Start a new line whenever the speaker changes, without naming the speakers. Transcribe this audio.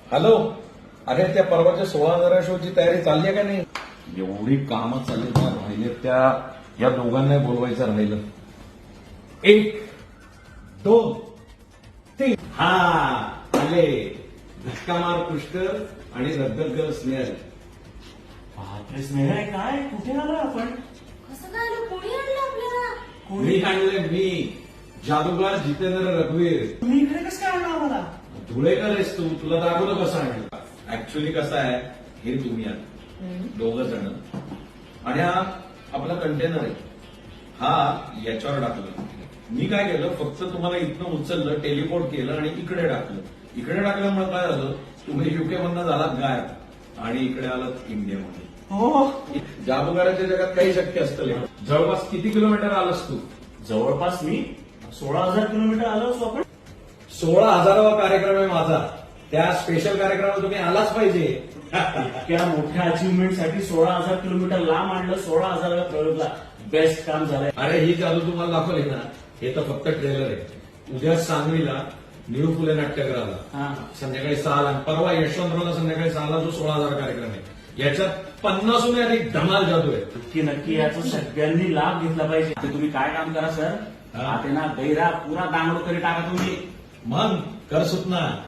Hello. अरे त्या परवाच्या 16,000 शोची तयारी चालली आहे का नाही? एवढी कामं चालली त्या राहिले त्या या दोघांना बोलवायचं राहिलं. 1 2 3
हा आले धक्का मार पुष्कर आणि रद्दल स्नेहल.
बापरे स्नेह काय कुठे आलो आपण?
कसं काय आलं? कोणी आणलं आपल्याला?
मी आणले मी जादूगार जितेंद्र रघुवीर.
तुम्ही इकडे कसं काय आणलं आम्हाला?
धुळेकर आहेस तू, तुला दाखवलं कसं आणलं. ऍक्च्युली कसं आहे, हे तुम्ही आहात 2 जण आणि हा आपला कंटेनर आहे, हा याच्यावर टाकलं. मी काय केलं, फक्त तुम्हाला इथनं उचललं, टेलिपोर्ट केलं आणि इकडे टाकलं. इकडे टाकल्यामुळे काय झालं, तुम्ही युके मधनं झालात गायब आणि इकडे आलात इंडियामध्ये.
हो
जादूगाराच्या जगात काही शक्य असतं. जवळपास किती किलोमीटर आलास तू?
जवळपास मी 16,000 किलोमीटर आलो असो आपण.
16,000वा कार्यक्रम आहे माझा. त्या स्पेशल कार्यक्रमाला तुम्ही आलाच पाहिजे.
इतक्या मोठ्या अचिव्हमेंटसाठी 16,000 किलोमीटर लांब आणलं. 16,000व्या प्रयोगला बेस्ट काम झालंय.
अरे ही जादू तुम्हाला दाखवली ना, हे तर फक्त ट्रेलर आहे. उद्या सांगलीला निळू फुले नाट्यगृहाला
हा.
संध्याकाळी 6ला, परवा यशवंतरावला संध्याकाळी 6ला जो 16,000 कार्यक्रम आहे, याच्यात 50हून अधिक धमाल जादू आहे.
नक्की नक्की याचा सगळ्यांनी लाभ घेतला पाहिजे. आता तुम्ही काय काम करा सर,
हा.
आता ना गैरा पुरा डांगडो करी टाका तुम्ही.
मग कर सुतना.